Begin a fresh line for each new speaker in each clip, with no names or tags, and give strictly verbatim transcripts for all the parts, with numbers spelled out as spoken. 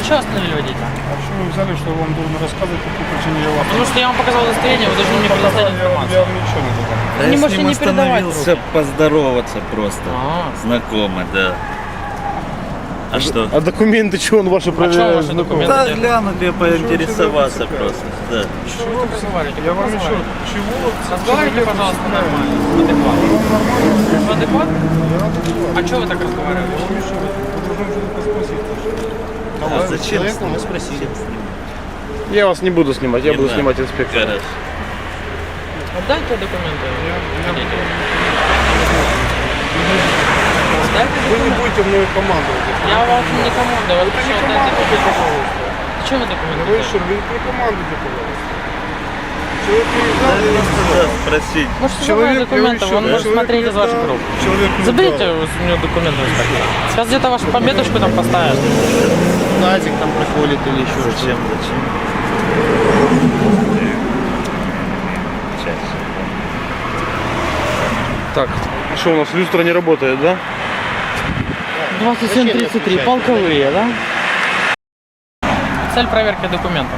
А что остановили водителя?
А что вы взяли, что я вам должен рассказывать, по какой причине я вас...
Потому что я вам показал удостоверение, вы должны мне предоставить
Я,
информацию.
я вам ничего не должен.
Вы не можете не передавать
остановился
руки.
поздороваться просто.
А.
Знакомый, да. А что?
А документы, что он ваши
А что
проверяет?
ваши документы?
Да, глянуть и поинтересоваться просто. Да.
Что вы разговариваете?
Я вам еще... Чего?
Разговаривайте, пожалуйста, нормально. Адекватно. Адекватно? А что вы так разговариваете?
А зачем
человеку
снимать?
спросили.
Я вас не буду снимать, я
Не
буду
надо.
снимать инспектора.
Хорошо.
Отдайте документы. Водителю. Отдайте
Вы не
документы.
будете мною командовать.
Я вам не командую.
Это не командуйте, пожалуйста.
Зачем вы документы?
Вы
даете?
еще вы не командуйте, пожалуйста. Человек приезжал,
Да,
я
просто да, спросить.
Можете забрать
Человек,
документы,
я
он
еще-
может
человек
смотреть из
не
ваших
дал.
рук.
Человек не
Заберите
дал.
у него документы. инспектор. Сейчас где-то вашу пометочку там поставят.
Назик там приходит или еще
Зачем, зачем? Сейчас.
Так, что у нас, люстра не работает, да?
двадцать семь тридцать три, полковые, да? Цель проверки документов.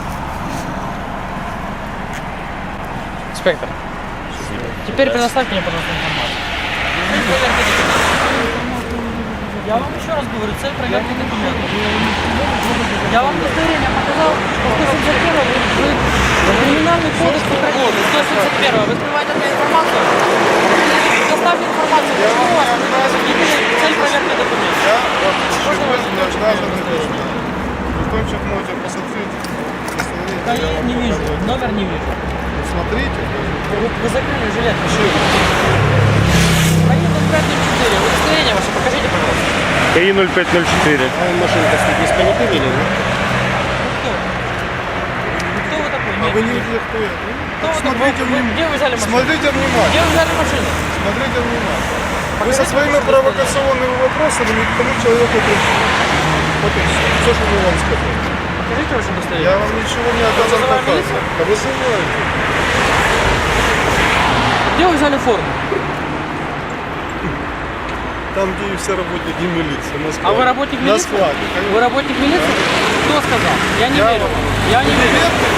Инспектор, теперь предоставьте мне, пожалуйста, информацию. Цель проверки документов. Я вам еще раз говорю, цель проверки документов. Я вам удостоверение показал, что сто семьдесят первое вы, вы криминальный кодекс Украины, сто семьдесят первое. Вы скрываете от меня информацию? Предоставьте информацию, почему у вас цель проверки документов.
Я вас ничего не обязан делать. Потом можете посмотреть.
Да я не вижу, номер не вижу.
Смотрите.
Вы, вы закрыли жилет. Они ноль пять ноль четыре. Удостоверение ваше покажите, пожалуйста.
КАИ ноль пять ноль четыре.
Кто? Кто вы такой?
А
Нет,
вы не
нет.
видели, кто я?
Кто вы
Смотрите
такой? Вы-
внимательно.
Где вы взяли машину?
Смотрите
Где
внимательно.
вы взяли машину?
Смотрите внимательно. Вы со
Покажите,
своими
пожалуйста,
провокационными вопросами ни к тому человеку пришли. Вот и все. Все, что мы вам сказали.
Покажите ваше
Я
удостоверение.
вам ничего не обязан
Вызываем
показывать.
милицию?
Да вызывайте.
Где вы взяли форму?
Там, где и все работники милиции. На складе.
А вы работник
На
милиции?
складе,
Вы
конечно.
работник милиции? Кто сказал? Я не
Я
верю.
вам-
Я не верю.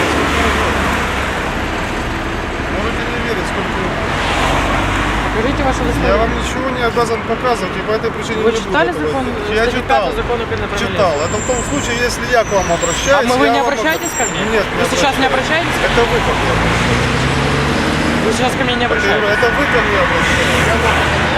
Можете не верить, сколько угодно.
Покажите ваше
Я
удостоверение.
вам ничего не обязан показывать, и по этой причине
Вы
не буду
читали
этого
закон?
делать. Я
статью
читал.
пятую закона Украины про милицию?
Читал. Это в том случае, если я к вам
А
обращаюсь.
мы, вы
я
не
вам
обращаетесь ко
обра-
мне?
Нет,
Вы сейчас не обращаетесь?
Это вы ко мне обращаетесь.
Вы сейчас ко мне не
Это,
обращаетесь?
это вы ко мне обращаетесь. Я вам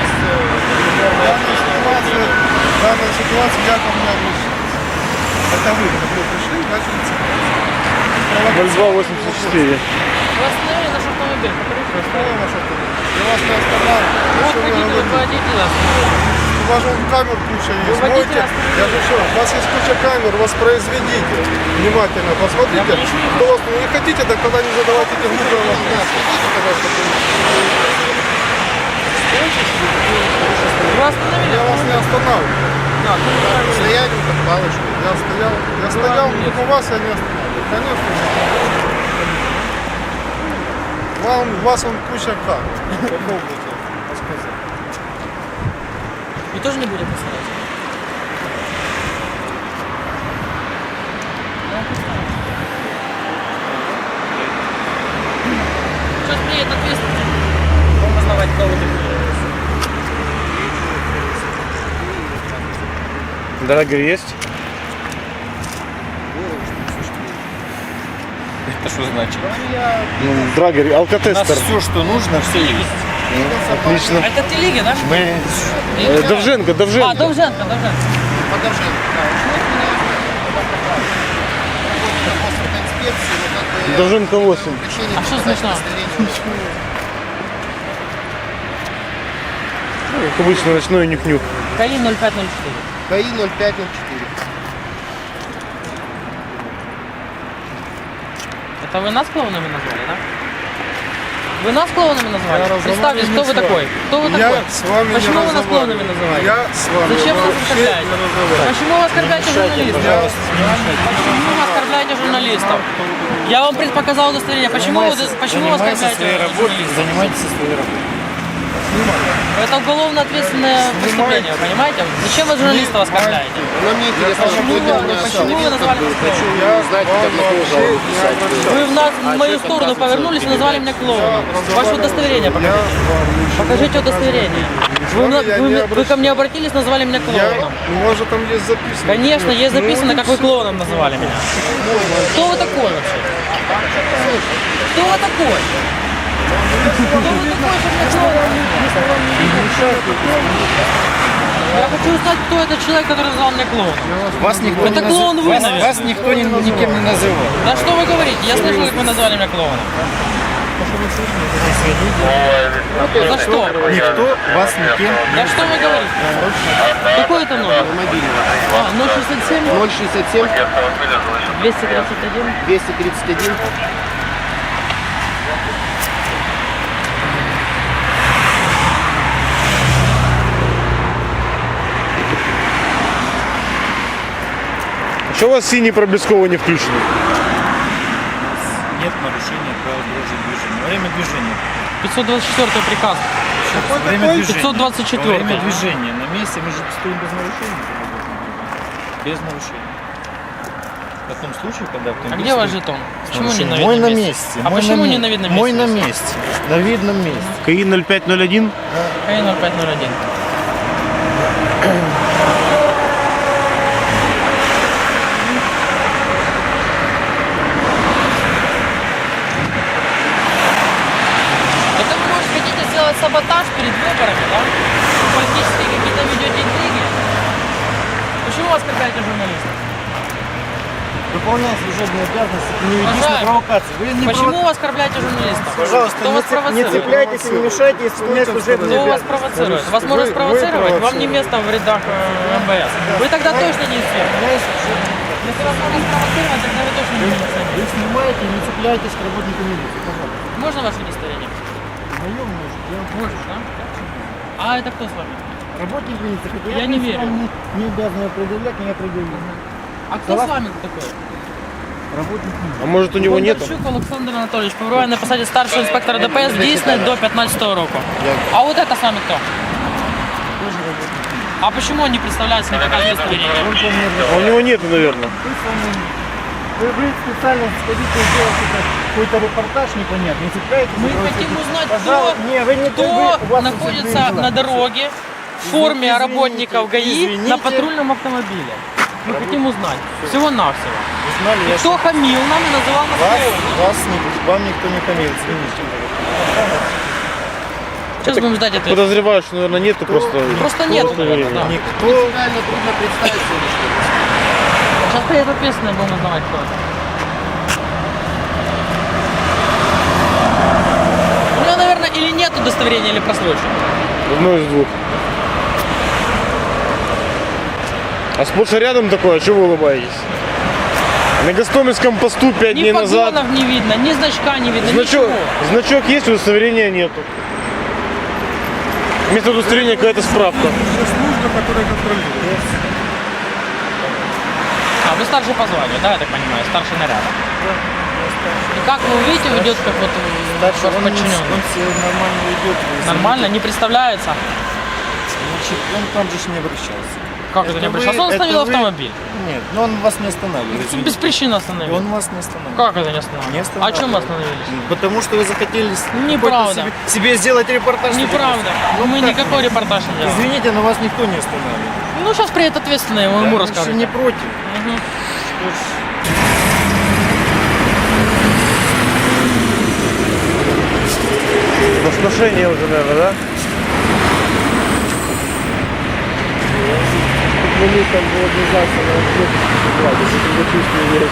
в данной ситуации, в данной ситуации я ко мне обращаюсь. Это вы ко мне пришли и начали цепляться.
ноль два восемьдесят четыре.
Вы остановили наш автомобиль. Покажите,
Что
пожалуйста.
я ваш автомобиль? Я вас не останавливаю.
Вот
Что вы
водитель,
говорите?
вы водитель остановили.
У вас же вон камер куча есть.
Вы водителя
Можете-
остановили.
Я же что, у вас есть куча камер, воспроизведите. Внимательно посмотрите.
Я ничего не
Кто вас не хотите, так тогда не задавайте этих глупых вопросов. Пожалуйста,
Вы остановили?
я вас не останавливаю.
Да, ну, правильно.
Стоять как палочку. Я стоял, я стоял, у вас я не останавливаю. Конечно, не останавливаю. Вам, у вас он куча камер. Попробуйте рассказать.
Вы тоже не будете посылать? Сейчас приедет ответственный. Вам узнавать, кто вы такие.
Драгер есть?
Это что значит?
Ну, Драгер, алкотестер.
все, что нужно, все есть.
Отлично.
Это телеги, да?
Мы
Э, Довженко, Довженко.
А, Довженко, Довженко.
Довженко восемь.
А что смешно?
Ну, как обычно, ночной нюх-нюх.
КАИ ноль пять ноль четыре.
КАИ ноль пять ноль четыре.
Это вы нас клоунами назвали, да? Вы нас клоунами назвали?
Я
Представьтесь, кто вы
разговариваю
такой? Кто вы
Я
такой?
с вами
Почему
не
вы нас клоунами
разговариваю.
называете?
Я с вами
Зачем вы нас
вообще
оскорбляете?
не разговариваю.
Почему вы оскорбляете журналистов? Почему вы оскорбляете журналистов? Я вам пред- показал удостоверение. Почему вы, почему вы оскорбляете журналистов?
занимайтесь своей работой.
Это уголовно ответственное преступление, вы понимаете? Зачем вы журналистов оскорбляете?
Но мне интересно,
Почему
что вы
вы- почему вы назвали меня клоуном?
Я знаете, как на кого жалобу писать.
Вы в, нас, в мою сторону повернулись и назвали меня клоуном. Ваше удостоверение покажите. Покажите удостоверение. Вы, на- вы- вы ко мне обратились, назвали меня клоуном.
Может, там есть записано.
Конечно, есть записано, как вы клоуном называли меня. Кто вы такой вообще? Кто вы такой? Кто вы такой, чтобы меня клоуном назвать? Я хочу узнать, кто этот человек, который назвал меня клоуном.
Вас никто
Это
не
клоун вы,
вас,
наверное.
вас никто ни- никем не называл.
Да что вы говорите? Я слышал, как вы назвали меня клоуном. За что?
Никто вас никем
Да что вы говорите? Какой это номер?
мобильного.
А, ноль шестьдесят семь,
ноль шестьдесят семь
двести тридцать один.
двести тридцать один.
Что у вас синие проблесковые не включены?
Нет нарушения правил дорожного движения. Во время движения.
пятьсот двадцать четвёртый приказ.
Во время движения.
пятьсот двадцать четвёртый.
Во время движения. На месте мы же стоим без нарушения. Без нарушения. В том случае, когда
А
автомобиль
где ваш
стоит-
жетон? Почему не на
Мой
видном
на
месте?
месте.
А
мой
почему
на
не
ме-
на видном
Мой
месте?
на месте. На видном месте.
КАИ ноль пять ноль один.
КАИ ноль пять ноль один. Это вы, может, хотите сделать саботаж перед выборами, да? Политические какие-то ведете интриги? Почему вы оскорбляете журналистов?
Выполняя служебные обязанности, не ведись на
Уважаемый,
провокации. Вы не
Почему вы оскорбляете журналистов?
Пожалуйста,
Кто
не,
вас
цеп- не
провоцирует?
цепляйтесь и не мешайте исполнять служебные
Кто вас
обязанности.
провоцирует? Вас можно
Вы- вы
спровоцировать, вам не
провоцируете.
место в рядах э, МВС. Вы тогда точно не инспектор. Если вас можно спровоцировать, тогда вы точно не милиционер.
Вы снимаете, не цепляйтесь к работнику милиции. Пожалуйста.
Можно ваше удостоверение?
Моем может. Я
Можешь, да? А это кто с вами?
работник милиции, хотя
Я не верю.
Не, не обязан его предъявлять, не определил.
А кто с вами такой?
Работник милиции.
А может у него нет?
Бондарчук Олександр Анатолійович, перебуває на посаді старшого інспектора ДПС, дійсне до пятнадцатого року. А вот это с вами кто? А почему он не представляется, не показывает удостоверение?
А у него нет, наверное.
Вы, вы специально сходите и делаете какой-то репортаж непонятный, не цепляетесь.
Мы
и
хотим
просите,
узнать,
пожалуйста,
кто,
не, вы не
кто
вы- у вас
находится
служебные дела.
на дороге в форме
Извините,
работников ГАИ
извините.
на патрульном автомобиле. Мы хотим узнать. Всего-навсего.
Вы знали,
И
я
кто хамил нам и называл нас
вас,
клоуном?
вас не, вам никто не хамил, извините.
Сейчас будем ждать ответа.
Подозреваю, что, наверное, нету просто.
Просто нет, наверное, да.
Никто... Реально трудно представить себе, что
Сейчас приедет ответственный, будем узнавать, кто это. У него, наверное, или нет удостоверения, или просрочено.
Одно из двух. А сплошь и рядом такое, а чего вы улыбаетесь? На Гостомельском посту пять
Ни
дней назад.
погонов не видно, ни значка не видно,
Значок,
ничего.
значок есть, удостоверения нету. Вместо удостоверения какая-то справка.
Есть служба, которая контролирует.
А, вы старший по званию, да, я так понимаю, старший наряда. И как вы видите, ведет как вот э,
дальше
ваш
он, не-
подчиненный?
он все нормально идет. вы
Нормально, не представляется.
извините. Значит, он там же ж не обращался.
Как это, не
вы-
обращался? Он
это
остановил
вы-
автомобиль.
Нет, но он вас не останавливает.
Без
извините.
причины остановил.
Он вас не останавливает.
Как это не остановил?
Не
А
останавливает.
чем мы остановились?
Потому что вы захотели с-
Неправда.
какой-то себе, себе сделать репортаж.
Неправда.
Ну,
Мы
как?
никакой репортаж не делаем.
Извините, но вас никто не останавливает.
Ну, сейчас приедет ответственный, ему, ему
Я
расскажете.
не против.
Мгм.
Что ж,
Воскрешение уже, наверное, да?
мы там было организация на ответ, если ты чувствуешь.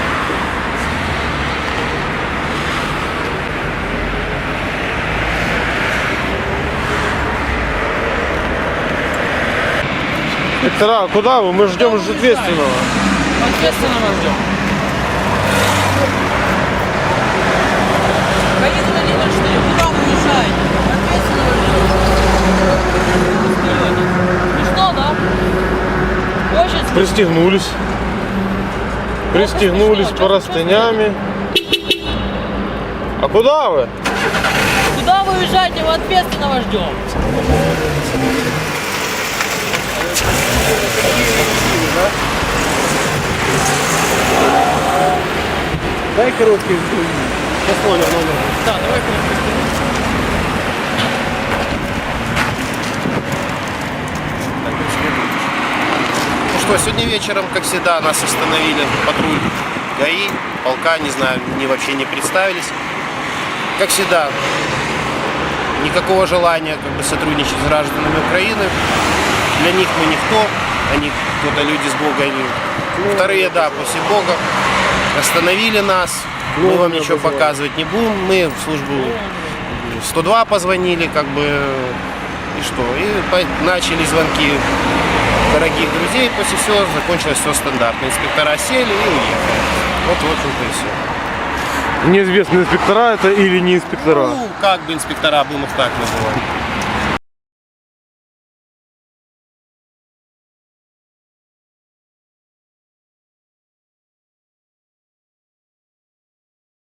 Доктора, а куда вы? Мы ждем уже ответственного.
Ответственного ждем. Гаит Владимир четыре, куда вы уезжаете? Ответственного ждем. Ну что, да? Очень смешно.
Пристегнулись. Пристегнулись по расстоями. А куда вы?
Куда вы уезжаете? Мы ответственного ждем.
Дай короткий пословие номер.
Да, давай короткий.
Ну что, сегодня вечером, как всегда, нас остановили патруль ГАИ, полка, не знаю, не вообще не представились. Как всегда, никакого желания как бы сотрудничать с гражданами Украины. Для них мы никто, они кто-то люди с Бога. Они... Вторые, да, после Бога. Остановили нас, мы вам ничего показывать не будем. Мы в службу сто два позвонили, как бы, и что? И по- начали звонки дорогих друзей, после всего закончилось все стандартно. Инспектора сели и уехали. Вот, в общем-то, и все.
Неизвестные инспектора это или не инспектора?
Ну, как бы инспектора, будем их так называть.